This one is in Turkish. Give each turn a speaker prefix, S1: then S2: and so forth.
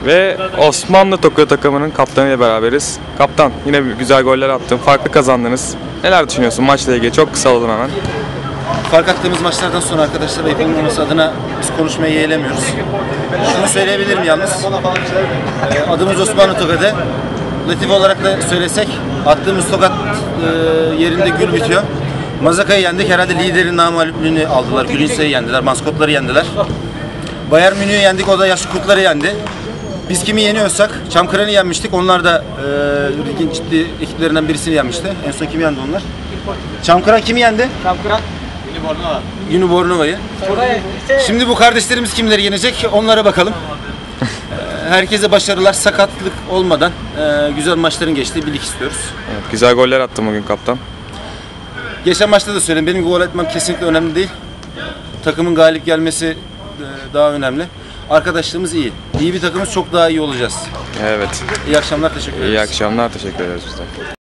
S1: Ve Osmanlı Tokyo takımının kaptanıyla beraberiz. Kaptan, yine güzel goller attın, farklı kazandınız. Neler düşünüyorsun maçla ilgili? Çok kısa alalım hemen.
S2: Fark attığımız maçlardan sonra arkadaşlar ayıp olmaması adına biz konuşmayı yeğlemiyoruz. Şunu söyleyebilirim yalnız. Adımız Osmanlı Tokyo'da. Latif olarak da söylesek attığımız tokat yerinde gül bitiyor. Mazaka'yı yendik. Herhalde liderin namağluplüğünü aldılar. Gülünse'yi yendiler. Maskotları yendiler. Bayern Münih'i yendik. O da yaşlı kurtları yendi. Biz kimi yeniyorsak Çamkıran'ı yenmiştik. Onlar da ligin ciddi ekiplerinden birisini yenmişti. En son kimi yendi onlar? Çamkıran kimi yendi?
S3: Çamkıran.
S2: Unibornova'yı. Şimdi bu kardeşlerimiz kimleri yenecek? Onlara bakalım. Herkese başarılar, sakatlık olmadan güzel maçların geçtiği bir lig istiyoruz.
S1: Evet, güzel goller attın bugün kaptan.
S2: Geçen maçta da söyledim, benim gol etmem kesinlikle önemli değil. Takımın galip gelmesi daha önemli. Arkadaşlığımız iyi. İyi bir takımız, çok daha iyi olacağız.
S1: Evet.
S2: İyi akşamlar, teşekkür ederiz.
S1: İyi akşamlar, teşekkür ederiz biz de.